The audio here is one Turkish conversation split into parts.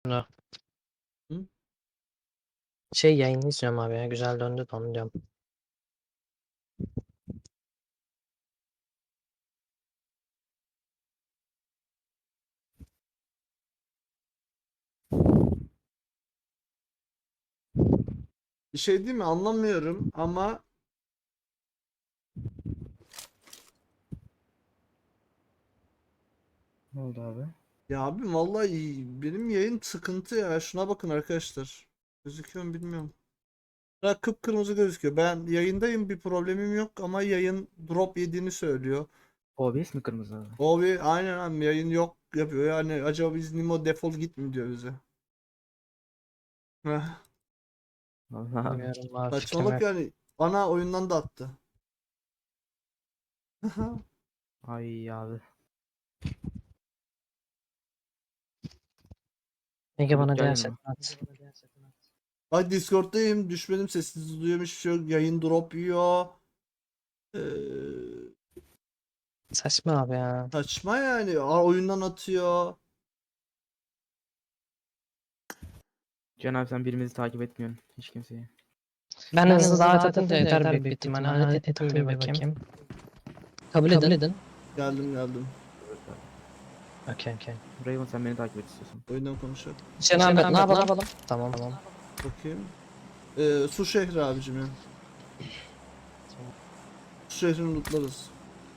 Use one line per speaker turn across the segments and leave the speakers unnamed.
No.
Hı?
Şey yayını izliyorum abi ya. Güzel döndü de onu diyorum.
Bir şey değil mi? Anlamıyorum ama
Ne oldu abi?
ya abi vallahi benim yayın sıkıntı ya. Şuna bakın arkadaşlar. Gözüküyor mu bilmiyorum. Ya kıpkırmızı gözüküyor. Ben yayındayım, bir problemim yok ama yayın drop yediğini söylüyor.
OBS mi kırmızı abi?
O bir aynen abi yayın yok yapıyor. Yani acaba biz Nimo defol git mi diyor bize. Heh.
Vallahi abi.
Bilmiyorum abi, fikrim
Saçmalık
yok.
yani. Ana oyundan da attı.
Ay abi.
Ege bana
Gel
diğer
yanıma.
setini at.
Ay Discord'dayım. Düşmedim, sessiz duyuyorum, hiçbir şey yok. Yayın drop yiyor. Ee,
Saçma abi ya.
saçma yani. Oyundan atıyor.
Can abi sen birimizi takip etmiyorsun. Hiç kimseyi.
Ben hızlı davet atınca yeter büyük bir ihtimalle. Hadi etim bir bakayım. Kabul edin.
Geldim.
Okey.
Raven sen beni takip et istiyorsan.
Oyundan konuşalım.
Cenab-ı ne yapalım? Tamam.
Bakayım. Su şehri abicim ya. Su şehrini lootlarız.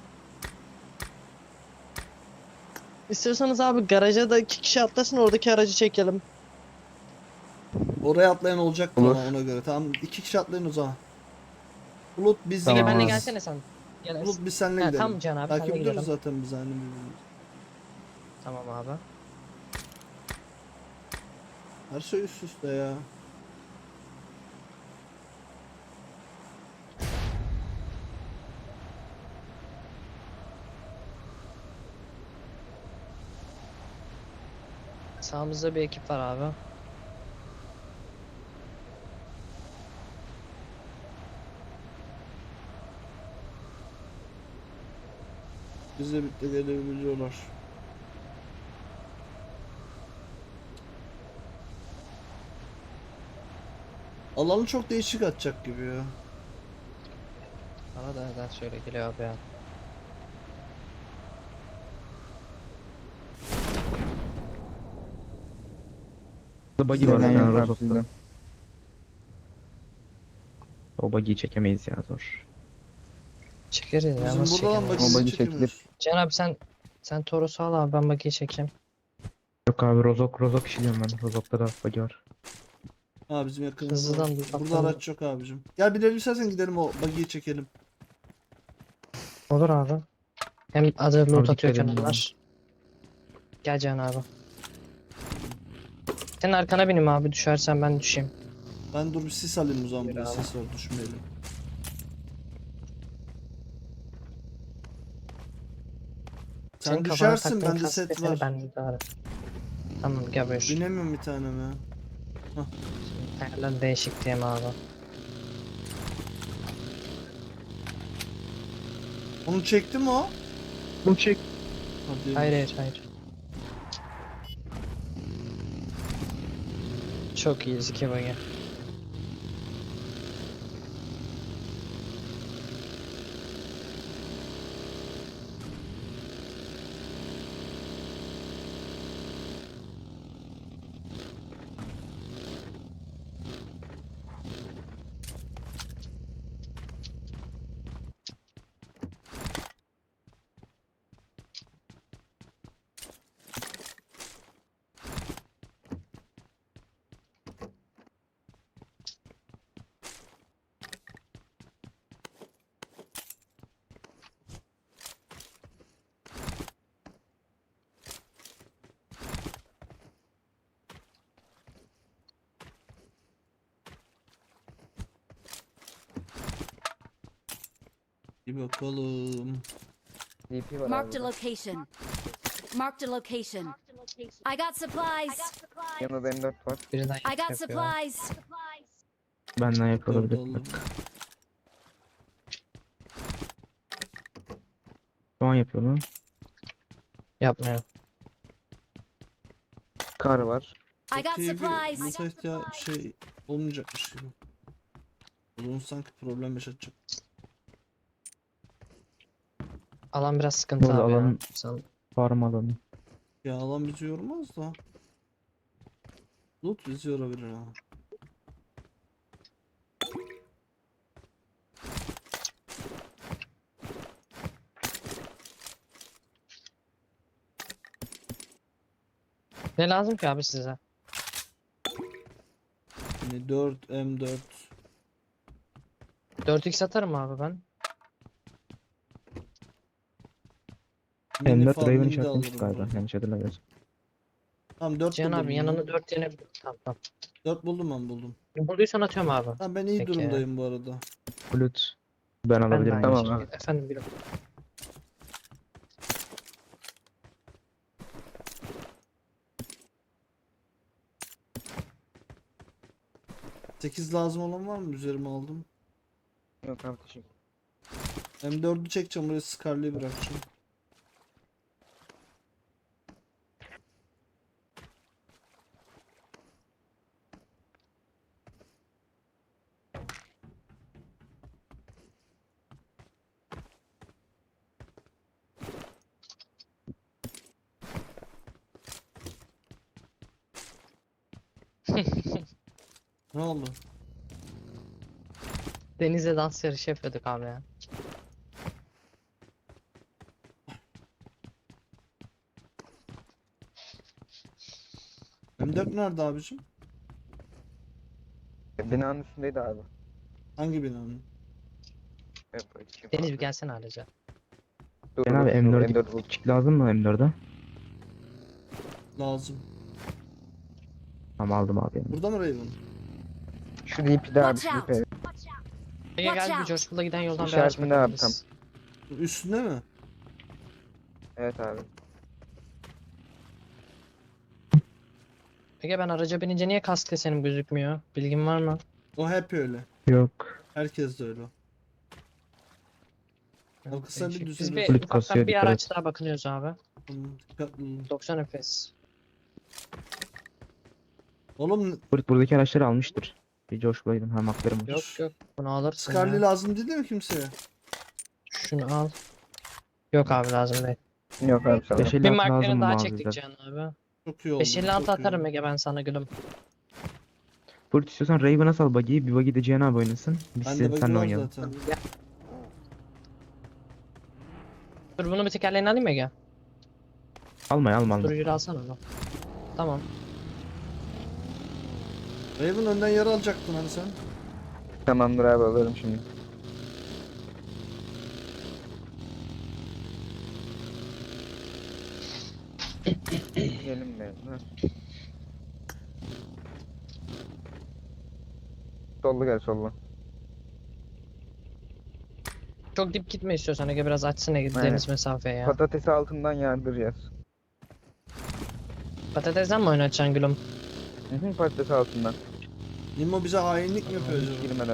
İstiyorsanız abi garaja da 2 kişi atlasın, oradaki aracı çekelim.
Oraya atlayan olacak
Olur.
ama ona göre. Tamam, 2 kişi atlayın o zaman. Bulut biz
Tamam
Ege benle
abi.
gelsene sen. Gel.
Bulut biz seninle
Ha,
gidelim.
tamam Can abi,
Takip
senle
ediyoruz
gidelim.
zaten biz hani birbirimizi.
Tamam abi.
Her şey üst üste ya.
Sağımızda bir ekip var abi.
Bizle birlikte gelebiliyorlar. Alanı çok değişik atacak gibi ya.
Bana da neden şöyle geliyor abi ya.
Buggy var yani Rozok'ta. O buggy'yi çekemeyiz ya zor.
Çekeriz ya,
Bizim
nasıl
buradan
çekemeyiz?
bakımını
buggy
çekemiyoruz.
Can abi sen Toros'u al abi, ben bakiyi çekeyim.
Yok abi Rozok işi diyorum ben. Rozok'ta da buggy var.
Ha bizim yakınımızda.
Hızlıdan
Var.
bir
Burada
bakalım.
araç yok abicim. Gel bir istersen gidelim, o buggy'yi çekelim.
Olur abi. Hem hazır loot
Abi
atıyorken
dikkat edin
onlar. Gel Can abi. Senin arkana bineyim abi, düşersen ben düşeyim.
Ben dur bir sis alayım o zaman,
Yürü
buraya
abi.
sis var, düşmeyelim. Sen
Senin kafana
düşersin,
taktığın
bende
kask
set
deseni
var.
bende de var. Tamam gel buyur.
Binemiyorum bir tanem ya.
Ayarlar değişik diyeyim abi.
Onu çekti mi o?
Bunu çek.
Hadi.
Hayır. Çok iyi iki bagi.
Bir bakalım.
DP var
Marked a
abi.
location. Marked a location. I got supplies.
Yanında M4 var.
Birinden
I got
yapıyor.
supplies.
Benden yapılabilir.
Dördü
Şu an yapıyor lan.
Yapmıyor.
Kar var.
I got
Çok iyi bir
supplies.
loot'a şey olmayacakmış gibi. Bunun sanki problem yaşatacak.
Alan biraz sıkıntı
Burada
abi ya.
alan-
Sen-
Farm alanı.
Ya alan bizi yormaz da. Loot bizi yorabilir ha.
Ne lazım ki abi size?
Yani 4 M4
4x atarım abi ben.
mini
M4 Raven
farming de
işaretlemiştik
alırım
galiba.
ben.
Yanlış hatırlamıyorsum.
Tamam 4
Cihan
buldum.
abi yanına 4 tane tamam tamam.
4 buldum ben buldum.
Bulduysan atıyorum abi.
Tamam ben iyi
Peki.
durumdayım bu arada.
Bulut. Ben
Ben de
alabilirim.
aynı
Tamam
şekilde.
abi.
Efendim bir
8 lazım olan var mı? Üzerime aldım.
Yok abi teşekkür.
M4'ü çekeceğim buraya Scarlet'i bırakacağım. Ne oldu?
Deniz'le dans yarışı yapıyorduk abi ya.
M4 nerede abicim?
Binanın üstündeydi abi.
Hangi binanın?
Deniz bir gelsene ayrıca.
Dur,
Ben abi
dur,
M4
M4
çık lazım mı M4'e?
Lazım.
Tamam aldım abi. Yani.
Burada mı Raven?
Şu DP'de abi
Watch
şu
out.
DP.
Ege
Watch
gel bir
out.
Coşkul'a giden yoldan bir
İşaretinde
araç
abi,
bakabiliriz.
Üstünde mi?
Evet abi.
Ege ben araca binince niye kask desenim gözükmüyor? Bilgin var mı?
O hep öyle.
Yok.
Herkes de öyle. Arkasına bir
Değişik. Biz
düzeliyoruz.
bir
Fluid
ufaktan
kasıyor,
bir
dikkat
araç
et.
daha bakınıyoruz abi.
Dikkatli olun.
90 FPS.
Oğlum
Buradaki araçları almıştır. Bir coşkulaydım. Ha maklarım var.
Yok yok bunu alırsın
Scarlet
ya.
lazım değil mi kimseye?
Şunu al. Yok abi lazım değil.
Yok abi sana.
556
Bir
lazım
marklerini
mı
daha
abi
çektik
bize?
Cihan abi.
Çok iyi oldu.
556
çok iyi
atarım
oldu.
Ege ben sana gülüm.
Bulut istiyorsan Raven'a sal buggy'yi. Bir buggy de Cihan abi oynasın. Biz
Bende buggy
senle
var
oynayalım.
zaten.
Dur bunu bir tekerleğini alayım Ege.
Alma.
Durucuyu alsana onu. Tamam.
Raven önden yer alacaktın hani sen.
Tamamdır abi alırım şimdi. Gelin be. Ha. Sollu gel sollu.
Çok dip gitme istiyorsan Ege biraz açsın Ege
Aynen.
deniz mesafeye ya.
Patatesi altından yardıracağız.
Patatesden mi oynatacaksın gülüm?
Hı, patatesi altından.
Nimo bize hainlik mi yapıyor
Hiç
acaba?
girmeden.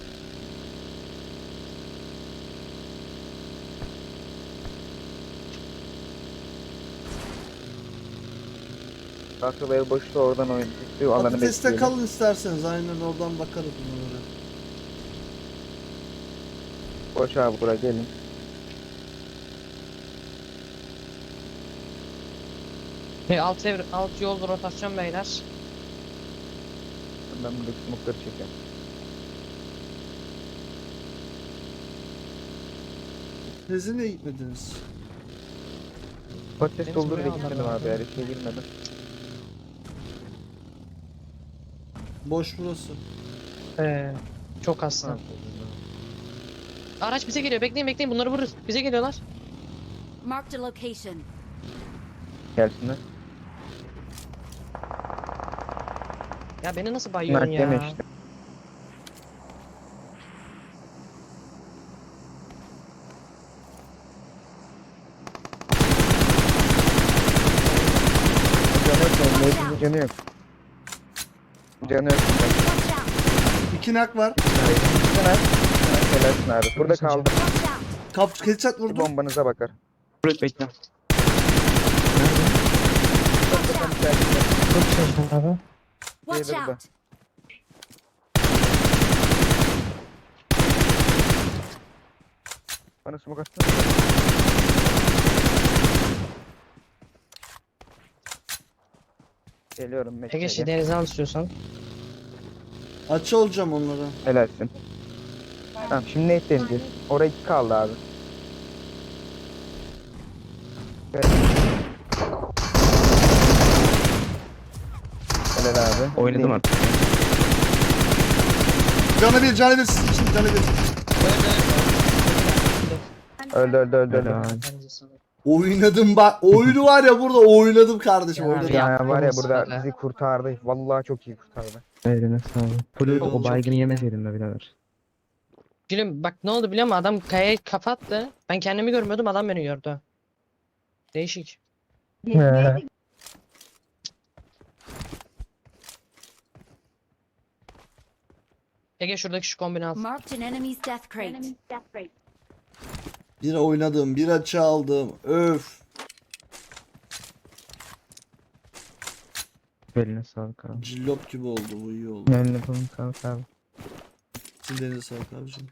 Akıl ev boşta oradan oyun. Şu alanı
Patateste
bekleyelim.
kalın isterseniz. Aynen oradan bakarız bunlara.
Boş abi buraya gelin.
Alt yol rotasyon beyler.
Ben buradaki smoke'ları çekeceğim.
Siz niye gitmediniz?
Patates
Deniz
doldur
buraya
bekledim
aldı
abi
abi.
her şeye girmedim.
Boş burası.
Çok hasta. Araç bize geliyor. Bekleyin bunları vururuz. Bize geliyorlar.
Marked a location.
Gelsinler.
Ya beni nasıl bayıyorsun
Mert
ya?
deme işte. Canı yok. Canı yok.
Watch out.
2 nak var.
Helalsin abi. Burada
Çok
kaldı.
Watch out.
Headshot
Bir
vurdu.
bombanıza bakar.
Bulut bekle.
Çok da
Çok çalışıyor abi.
Watch
Diğeri de.
out!
Bana smoke atsana. Geliyorum
Ege
bekle.
şey denize al istiyorsan.
Açı olacağım onlara.
Helalsin. Tamam şimdi ne deneyeceğiz? Oraya 2 kaldı abi. Evet. Helal abi.
Oynadım artık.
Canı bir, canı bir, sizin için canı bir.
Öldü.
Helal.
Oynadım bak. Oyunu var ya burada oynadım kardeşim.
Ya
Oynadım.
abi
Ya var ya
yaptığımız
burada
böyle.
bizi kurtardı. Vallahi çok iyi kurtardı.
Eline sağlık. Full
Eyvallah,
o baygını
çok iyi.
yemeseydin be birader.
Gülüm bak ne oldu biliyor musun? Adam kayayı kapattı. Ben kendimi görmüyordum, adam beni gördü. Değişik. Ege şuradaki şu kombini al.
Marked an enemy's death crate.
Bir oynadım, bir açı aldım. Öf.
Eline sağlık abi.
Cillop gibi oldu bu, iyi oldu.
Eline sağlık abi.
Sizin de eline sağlık abicim.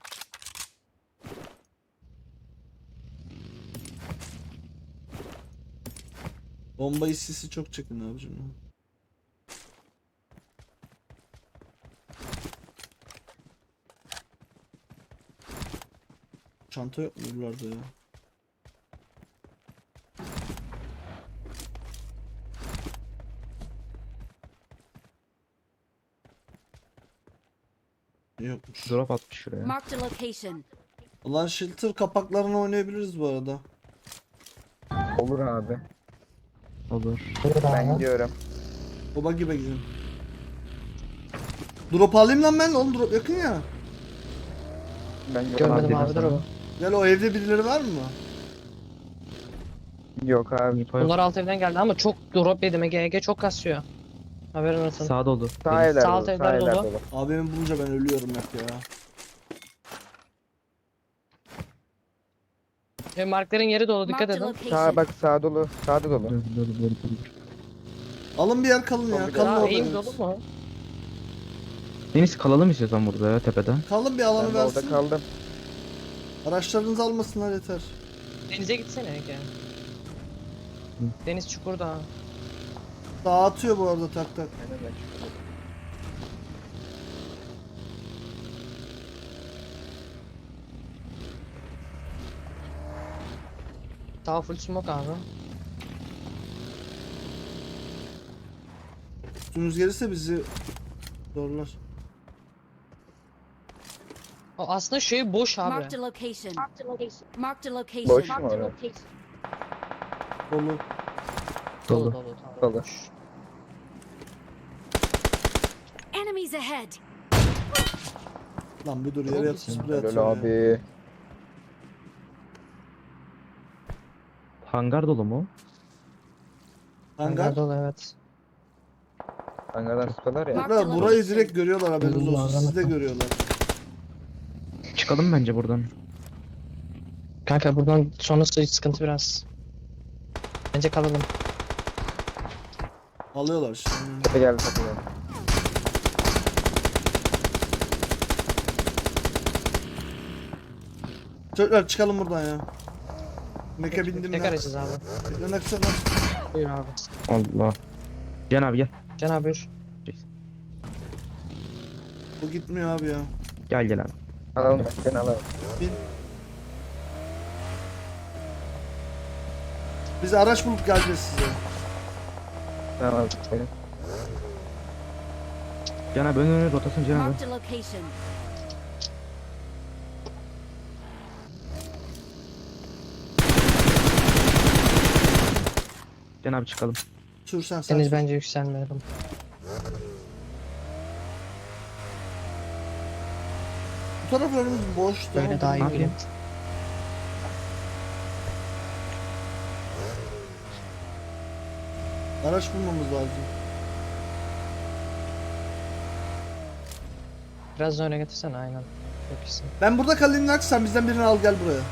Bomba hissisi çok çekin abicim. Çanta yok mu buralarda ya? Yokmuş.
Drop atmış şuraya.
Marked a location.
Ulan shelter kapaklarını oynayabiliriz bu arada.
Olur abi.
Olur.
Ben gidiyorum.
Baba gibi gidelim. Drop alayım lan ben, oğlum drop yakın ya.
Ben
Görmedim
dedim
abi dur
sana.
o.
Gel, o evde birileri var mı?
Yok abi.
Info yok.
Bunlar alt evden geldi ama çok drop yedim Ege çok kasıyor. Haberin olsun.
Sağ dolu.
Sağ
Deniz.
evler
Sağ
dolu.
alt
Sağ
evler
evler
dolu.
dolu.
Abimi bulunca ben ölüyorum hep ya.
Ve markların yeri dolu dikkat
Marked a
edin.
Sağ
location.
bak sağ dolu. Sağda dolu.
Dur.
Alın bir yer, kalın ya. Kalın
Aa
orada.
eğim dolu mu?
Deniz kalalım istiyorsan burada ya tepede.
Kalın bir alanı
Ben de orada
versin.
kaldım.
Araçlarınızı almasınlar yeter.
Denize gitsene Ege. Deniz çukurda.
Dağıtıyor bu arada tak tak.
Sağ full smoke abi.
Üstünüz gelirse bizi zorlar.
O aslında şey boş abi.
Marked a location. Marked a location.
Boş mu orası?
Dolu.
Dolu
Dolu.
dolu. tamam.
Dolu.
Enemies ahead.
Lan bir dur, yere yat, sprey
Helal
atıyor ya.
abi.
Hangar dolu mu?
Hangar.
Dolu evet.
Hangardan sıkıyorlar ya.
Marked
Ya
a
burayı
location.
direkt görüyorlar, haberiniz
Allah
olsun. Sizi de görüyorlar.
Çıkalım bence buradan.
Kanka buradan sonrası sıkıntı biraz. Bence kalalım.
Alıyorlar şimdi.
Tepe geldi tepe geldi.
Çocuklar çıkalım buradan ya. Meke bindim
Tek
ben.
arayacağız abi.
Dönek sana.
Buyur abi.
Allah. Can abi gel.
Can abi buyur.
Bu gitmiyor abi ya.
Gel abi.
Alalım seni alalım.
Biz araç bulup geleceğiz size.
Tamam abi. Benim.
Can abi önüne rotasyon Can abi.
Marked a location.
Can abi çıkalım.
Sürsen sen.
Deniz bence yükselmeyelim.
Bu taraf önümüz boş.
Böyle
tamam.
daha iyi
Abi.
bileyim.
Araç bulmamız lazım.
Biraz da öne getirsene aynen. Çok iyisin.
Ben burada kalayım Nax, sen bizden birini al gel buraya.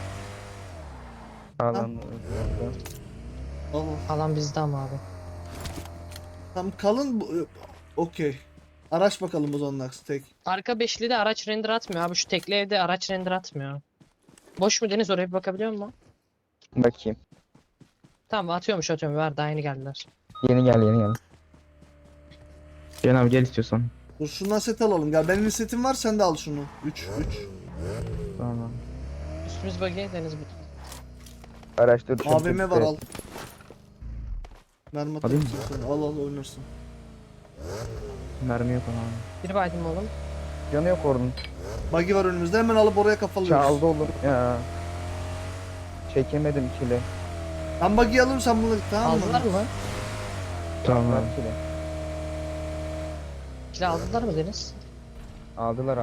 Alalım.
Al al.
Alan bizde ama abi.
Tam kalın okey. Araç bakalım o zaman Nax tek.
Arka beşli de araç render atmıyor abi. Şu tekli evde araç render atmıyor. Boş mu Deniz, oraya bir bakabiliyor musun?
Bakayım.
Tamam, atıyorum ver, daha yeni geldiler.
Yeni gel yeni gel.
Cihan abi gel istiyorsan.
Dur şundan set alalım. Gel benim setim var, sen de al şunu. 3 3.
Tamam.
Üstümüz buggy, Deniz bu.
Araçta
AVM var al. Mermi
Alayım
atarım sana. Al al oynarsın.
Mermi yok abi.
Bir baydım oğlum.
Canı yok ordunun.
Buggy var önümüzde, hemen alıp oraya kafalıyoruz.
Çaldı oğlum ya. Çekemedim kile.
Ben buggy alırım, sen bunu tamam mı?
Aldılar mı?
Tamam
Ver
abi.
kile.
Kilo aldılar mı Deniz?
Aldılar.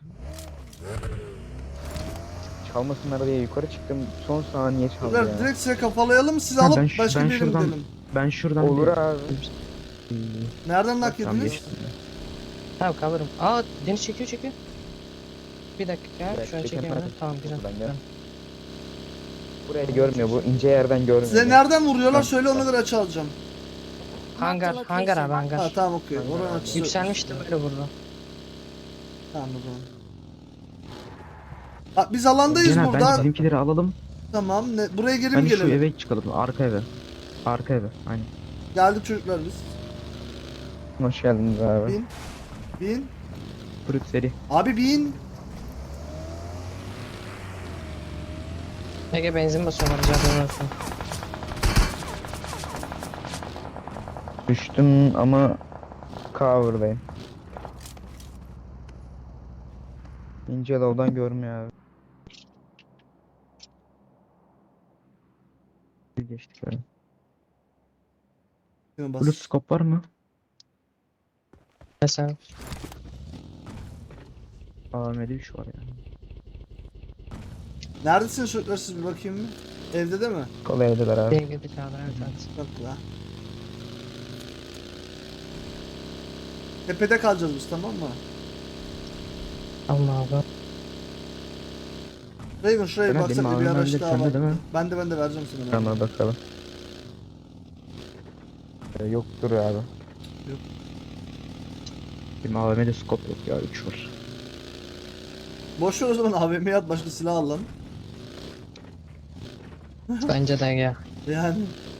Çalmasınlar diye yukarı çıktım. Son saniye çaldı
Beyler,
ya.
direkt size kafalayalım, siz
Ha,
alıp
ben
başka bir yere
şuradan-
gidelim.
Ben şuradan
Olur
bir...
abi.
Nereden nak
Tamam
yediniz?
geçtim.
Tamam cover'ım. Aa, Deniz çekiyor. Bir dakika,
dakika,
şu an
çekemem.
çekemedim. Tamam güzel.
Buradan gel.
Tamam.
Burayı görmüyor bu ince yerden görmüyor.
Size nereden vuruyorlar
Ben-
söyle, ona göre açı alacağım.
Hangar abi
Ha
hangar.
tamam okey.
Hangar
Oranın
abi.
açısı.
Yükselmişti böyle vurdu.
Tamam o zaman. Ha, biz alandayız
Cihan abi
burada.
bence bizimkileri alalım.
Tamam. Buraya geri mi
Bence şu
gelelim?
eve çıkalım. Arka eve. Arka eve. Aynen.
Geldik çocuklar biz.
Hoş geldiniz abi.
Bin. Bin.
Fruit seri.
Abi bin.
Ege benzin basıyorlar, canım olsun.
Düştüm ama cover'dayım. İnce low'dan görmüyor abi.
Geçtik öyle.
Yine bas.
Blue scope var mı?
Mesela
AVM'de 3 var yani.
Neredesiniz çocuklar, siz bir bakayım mı? Evde de mi?
Kolay evdeler abi.
benim gibi kaldı, evet.
Yok la. Tepede kalacağız biz, tamam mı?
Allah Allah.
Raven şuraya bir
Benim
baksak bir
AVM
araç
bende,
daha
sende
var.
değil mi?
Ben de vereceğim sana.
Tamam bakalım. Yoktur abi.
Benim AVM'de scope yok ya 3 var.
Boş ver o zaman, AVM'ye at, başka silah al lan.
Bence de Ege.
Yani.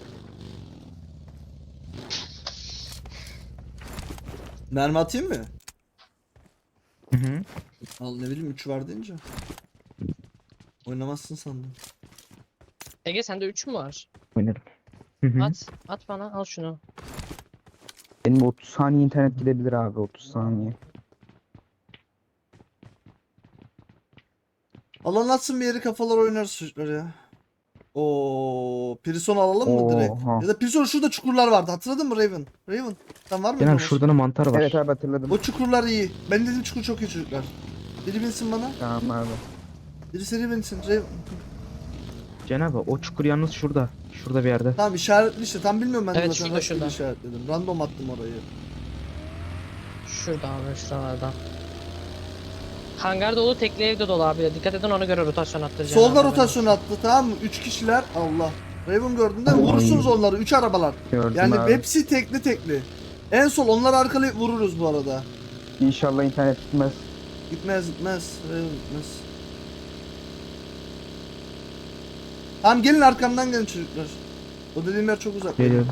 Mermi atayım mı?
Hı hı.
Al, ne bileyim 3 var deyince. Oynamazsın sandım.
Ege sende 3 mü var?
Oynarım. Hı hı.
At bana, al şunu.
Benim 30 saniye internet gidebilir abi 30 saniye.
Alan atsın, bir yeri kafalar oynarız çocuklar ya. Oo, Prison alalım mı direkt?
Oha.
Ya da Prison, şurada çukurlar vardı. Hatırladın mı Raven? Raven, sen var mı?
Cihan abi şurada da mantar var.
Evet abi hatırladım.
O çukurlar iyi. Ben dediğim çukur çok iyi çocuklar. Biri binsin bana.
Tamam abi.
Biri seri binsin. Raven.
Cihan abi o çukur yalnız şurada. Şurada bir yerde.
Tamam işaretli işte. Tam bilmiyorum ben de
Evet,
zaten.
şurada,
rastgele
şurada.
işaretledim. Random attım orayı.
Şurada abi, şuralarda. Hangar dolu, tekli evde dolu abi. Dikkat edin, ona göre rotasyon attıracağım.
Solda
abi,
rotasyon attı, tamam mı? 3 kişiler. Allah. Raven gördün değil mi? Vurursunuz onları. 3 arabalar.
Gördüm
Yani
abi.
hepsi tekli. En sol onları arkalayıp vururuz bu arada.
İnşallah internet gitmez.
Gitmez. Raven gitmez. Tamam gelin, arkamdan gelin çocuklar. O dediğim yer çok uzak.
Geliyoruz.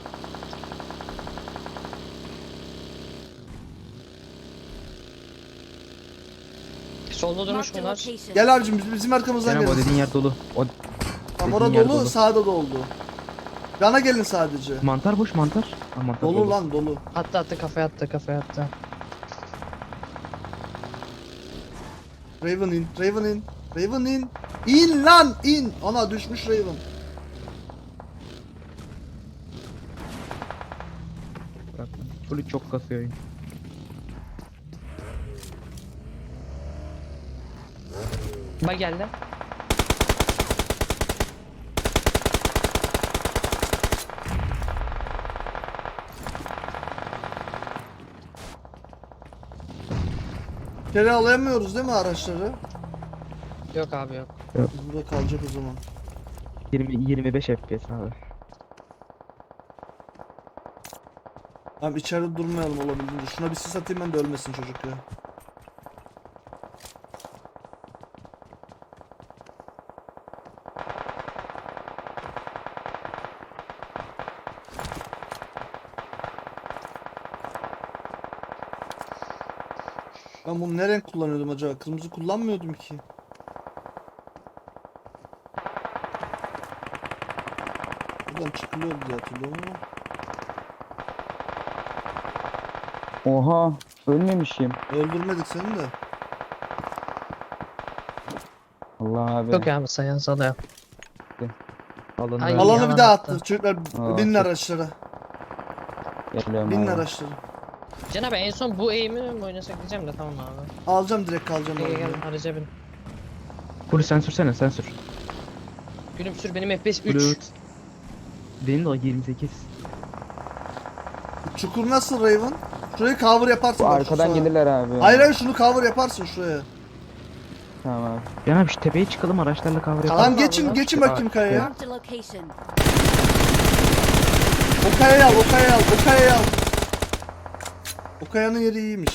Solda durmuş
Marked a
bunlar.
location.
Gel abicim, bizim arkamızdan
Cihan abi o
gelin.
dediğin yer dolu. O
Tam
dediğin
orada
yer
dolu,
dolu.
sağda da oldu. Yana gelin sadece.
mantar boş mantar. Ha, mantar
Dolu lan dolu.
Attı, kafaya attı.
Raven in. İn lan in. Ana düşmüş Raven.
Bırak. Full çok kasıyor oyun.
Bak geldi.
İçeri alayamıyoruz değil mi araçları?
Yok abi yok.
Biz burada kalacak o zaman.
25 FPS abi.
Tamam içeride durmayalım olabildiğince. Şuna bir sis atayım ben de ölmesin çocuk ya. Ben bunu ne renk kullanıyordum acaba? Kırmızı kullanmıyordum ki. Buradan çıkılıyor diye hatırlıyorum ama.
Oha, ölmemişim.
Öldürmedik seni de.
Allah abi.
Çok abi sayan salıyor.
Alındı.
Ay,
Alanı bir
yalan
daha
attı.
attı. Çocuklar
Aa,
binin
çok-
araçlara.
Geliyorum
Binin
abi.
araçlara.
Can abi en son bu eğimi mi oynasak diyeceğim de tamam abi.
Alacağım direkt kalacağım.
Gel
arabayı.
gel araca bin.
Hulusi sen sürsene sen sür.
Gülüm sür benim FPS 3.
Hulusi. Benim de o 28.
Çukur nasıl Raven? Şurayı cover yaparsın
Bu
bak şu
arkadan
sağa.
gelirler abi.
Hayır hayır şunu cover yaparsın şuraya.
Tamam abi.
Can abi şu tepeye çıkalım araçlarla cover yapalım.
Tamam
mı
geçin
abi?
geçin bakayım kayaya.
Marked a location.
O kayayı al, o kayayı al, o kayayı al. O kayanın yeri iyiymiş.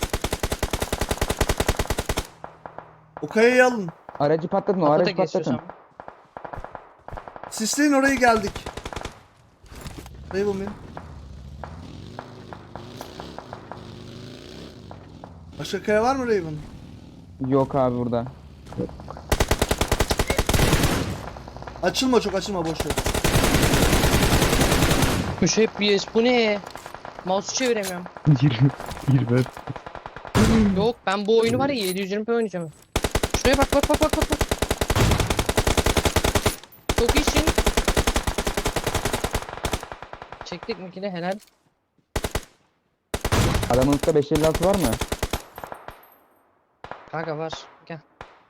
O kayayı alın.
Aracı patlatın, o
Kapıda
aracı patlatın.
geçiyorsam.
Sisleyin orayı geldik. Raven benim. Başka kaya var mı Raven?
Yok abi burada.
Açılma çok açılma boş ver.
Müşebbiyes bu ne? Mouse'u çeviremiyorum.
20.
Yok ben bu oyunu var ya 720p oynayacağım. Şuraya bak bak bak bak bak. Çok iyisin. Çektik mi ki de helal.
Adamınızda 556 var mı?
Kanka var. Gel.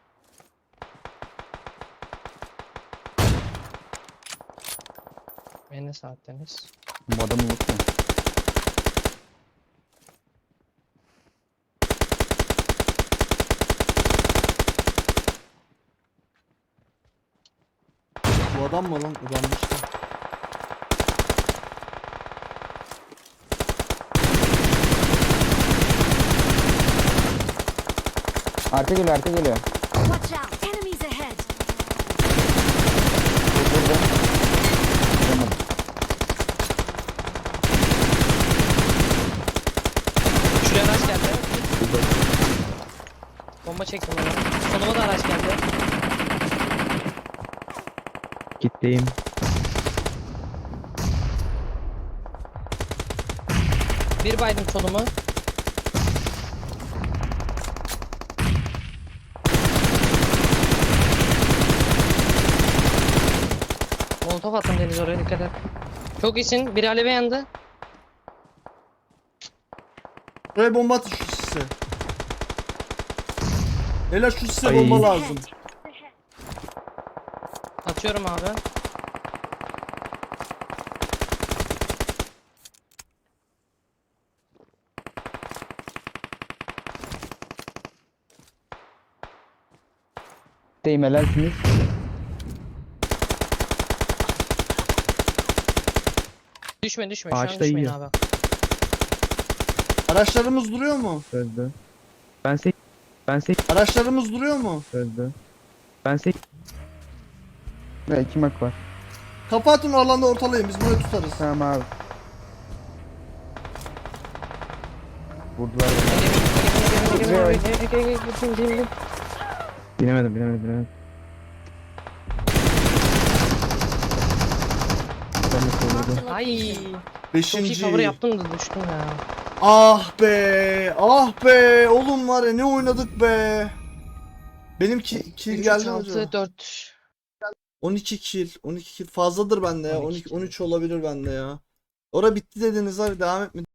Ve ne saatteniz?
Bu adamı unutma.
Bu adam mı lan? Adammış da.
Arka geliyor, arka geliyor.
Watch out. Enemies ahead.
Vuramadım.
Şuraya araç geldi. Bomba çektim ona. Sonuma da araç geldi.
Gitteyim.
Bir baydım solumu. Molotof attım Deniz oraya dikkat et. Çok iyisin. Biri aleve yandı.
Buraya bomba atın şu sise. Beyler şu sise
Ay.
bomba lazım.
Atıyorum abi.
Deyim helalsiniz.
Düşme düşme. Şu an
Ağaçta
düşmeyin
yiyor.
abi.
Araçlarımız duruyor mu?
Öldü. Ben sek
Araçlarımız duruyor mu?
öldü. Ben sek
Ve 2 mak var.
Kapatın o alanda ortalayın biz burayı tutarız.
Tamam abi. Vurdular beni.
binemedim.
Ben de
Marked
kovurdum.
a
Ay.
location.
Çok iyi
Beşinci.
cover yaptım da düştüm ya.
Ah be. Ah be. Oğlum var ya ne oynadık be. Benim kill geldi mi acaba?
6 4.
12 kill. 12 kill fazladır bende ya.
12
12 13 olabilir bende ya. Ora bitti dediniz abi devam etmedi.